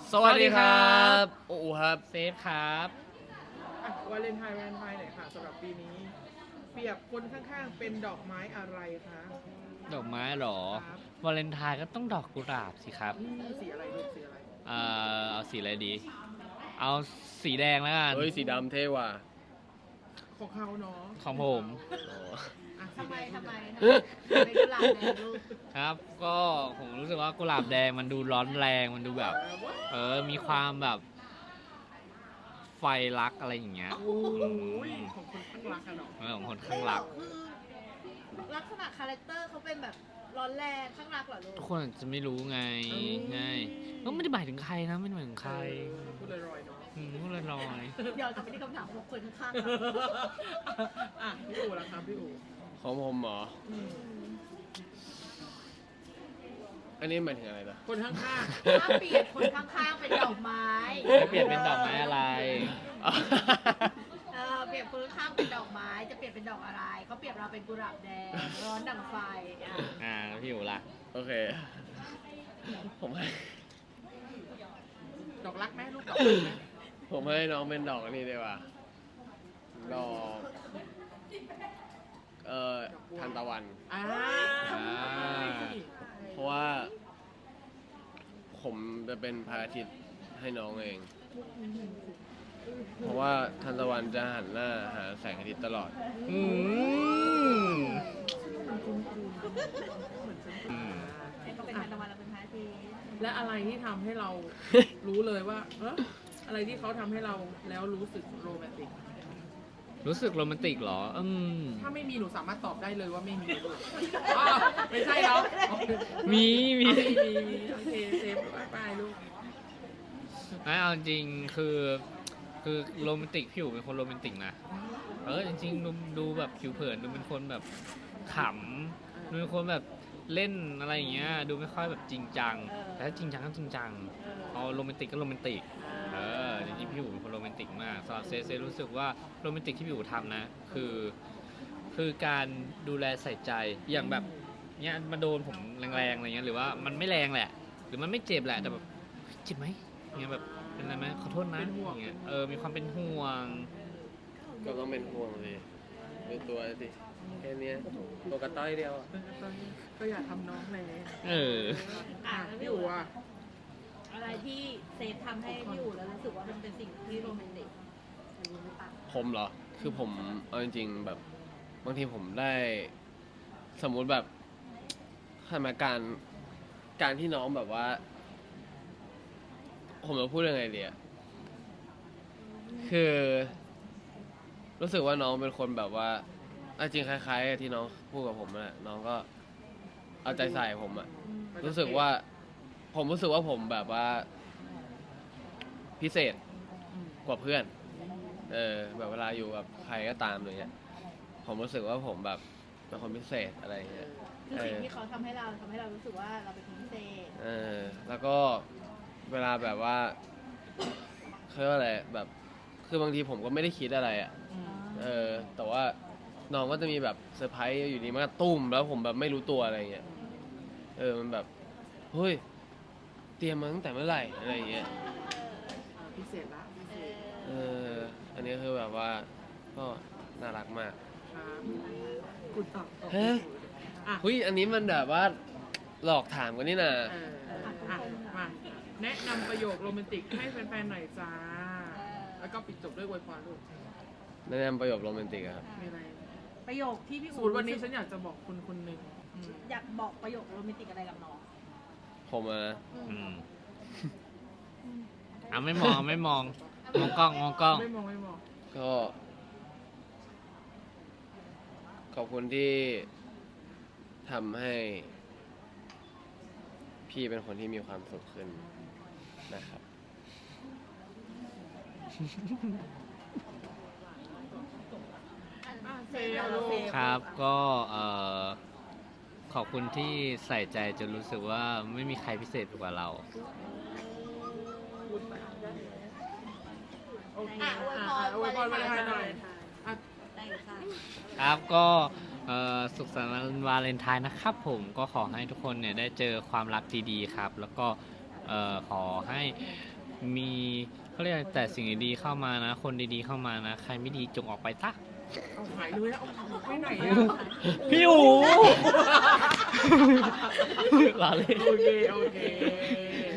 สวัสดีครับโอ้ครับเซฟครับวาเลนไทน์หน่อยค่ะสำหรับปีนี้ เปรียบคนข้างๆเป็นดอกไม้อะไรคะดอกไม้เหรอครับวาเลนไทน์ก็ต้องดอกกุหลาบสิครับสีอะไรลูกสีอะไรเอาสีอะไรดี เอาสีแดงแล้วกันเฮ้ยสีดำเท่ว่ะของเขาเนาะของผมอ่ะสีทำไมแดงทำไมเป็นกุหลาบแดงลูกครับ ก็ผมรู้สึกว่ากุหลาบแดงมันดูร้อนแรงมันดูแบบ มีความแบบไฟรักอะไรอย่างเงี้ยโอ้ยของคนข้างรักอะเนาะของคนข้างรักคือลักษณะคาแรคเตอร์เขาเป็นแบบร้อนแรงข้างรักเหรอลูกทุกคนอาจจะไม่รู้ไงก็ไม่ได้หมายถึงใครนะไม่ได้หมายถึงใครพูดลอยๆเนาะพูดลอยเดี๋ยวจะไปที่คำถามของคนข้างๆอ่ะพี่อู๋ล่ะครับพี่อู๋ของผมเหรออืมอันนี้หมายถึงอะไรล่ะคนข้างถ้าเปลี่ยนคนข้างๆเป็นดอกไม้ๆจะเปลี่ยนเป็นดอกไม้อะไรเปลี่ยนคนข้างๆเป็นดอกไม้ จะเปลี่ยนเป็นดอกอะไร เขาเปลี่ยนเราเป็นกุหลาบแดง ร้อนดังไฟแล้วพี่อยู่ล่ะโอเค ผมให้ๆดอกรักไหมลูกดอกรักไหมผมให้น้องเป็นดอกอันนี้ดีกว่า ดอก ทานตะวันอ่าเพราะว่า ผมจะเป็นพระอาทิตย์ให้น้องเอง เพราะว่าทานตะวันจะหันหน้าหาแสงอาทิตย์ตลอดอืมเขาเป็นทานตะวันเราเป็นพระอาทิตย์และอะไรที่ทำให้เรา รู้เลยว่าอะไรที่เขาทำให้เราแล้วรู้สึกโรแมนติกรู้สึกโรแมนติกเหรอถ้าไม่มีหนูสามารถตอบได้เลยว่าไม่มีลูกอ้าวไม่ใช่เนาะมีมีโอเคเซฟไปลูกไม่เอาจริงคือโรแมนติกพี่อยู่เป็นคนโรแมนติกนะจริงๆดูแบบผิวเผินดูเป็นคนแบบขำดูเป็นคนแบบเล่นอะไรอย่างเงี้ยดูไม่ค่อยแบบจริงจังแต่ถ้าจริงจังก็จริงจังเอาโรแมนติกก็โรแมนติกจริงๆพี่อยู่เป็นคนโรแมนติกมากสำหรับเซรู้สึกว่าโรแมนติกที่พี่อยู่ทำนะคือการดูแลใส่ใจอย่างแบบเนี้ยมาโดนผมแรงๆอะไรเงี้ยหรือว่ามันไม่แรงแหละ หรือมันไม่เจ็บแหละแต่แบบเจ็บไหมเงี้ยแบบเป็นอะไรไหมขอโทษนะอย่างเงี้ยมีความเป็นห่วงก็ต้องเป็นห่วงเลยดูตัวสิแค่เนี้ยตัวกระต้อยเดียวอะก็อยากทำน้องเลย พี่อู๋อ่ะอะไรที่เซฟทำให้พี่อู๋แล้วรู้สึกว่ามันเป็นสิ่งที่โรแมนติกผมเหรอ คือผมเอาจริงๆแบบบางทีผมได้สมมุติแบบสถานการที่น้องแบบว่า ผมจะพูดยังไงดีอะคือ รู้สึกว่าน้องเป็นคนแบบว่าจริงคล้ายๆกับที่น้องพูดกับผมน่ะน้องก็เอาใจใส่ผมอะรู้สึกว่า ผมรู้สึกว่าผมแบบว่า พิเศษกว่าเพื่อน แบบเวลาอยู่กับใครก็ตามอะไรเงี้ยผมรู้สึกว่าผมแบบเป็นคนพิเศษอะไรเงี้ยคือสิ่งที่เขาทำให้เรารู้สึกว่าเราเป็นคนพิเศษแล้วก็เวลาแบบว่าเขาเรียกว่าอะไรแบบคือบางทีผมก็ไม่ได้คิดอะไรอ่ะแต่ว่าน้องก็จะมีแบบเซอร์ไพรส์อยู่ดีมันก็ตุ้มแล้วผมแบบไม่รู้ตัวอะไรเงี้ยมันแบบเฮ้ยเตรียมมาตั้งแต่เมื่อไหร่อะไรเงี้ยพิเศษละพิเศษอันนี้คือแบบว่าก็น่ารักมากครับคุณตอบเฮ้ยอ่ะเฮ้ยอันนี้มันแบบว่าหลอกถามกันนี่นะมาแนะนำประโยคโรแมนติกให้แฟนๆหน่อยจ้า แล้วก็ปิดจบด้วยอวยพรลูกแนะนำประโยคโรแมนติกอะครับมีอะไรประโยคที่พี่สอู๋มมติวันนี้ฉันอยากจะบอกคุณคนหนึ่งอยากบอกประโยคโรแมนติกอะไรกับน้องผมอะนะไม่มองมองกล้องไม่มองก็ขอบคุณที่ทำให้พี่เป็นคนที่มีความสุขขึ้นนะครับเซลลูกครับก็ขอบคุณที่ใส่ใจจนรู้สึกว่าไม่มีใครพิเศษไปกว่าเราโอเคอวยพรวันไทยหน่อยได้ค่ะครับก็สุขสันต์วันวาเลนไทน์นะครับผมก็ขอให้ทุกคนเนี่ยได้เจอความรักดีๆครับ แล้วก็ขอให้มีเขาเรียกอะไรแต่สิ่งดีๆเข้ามานะ คนดีๆเข้ามานะ ใครไม่ดีจงออกไปซะเอาหายเลยแล้วเอาไปไหนอ่ะพี่อู ลาเลยโอเค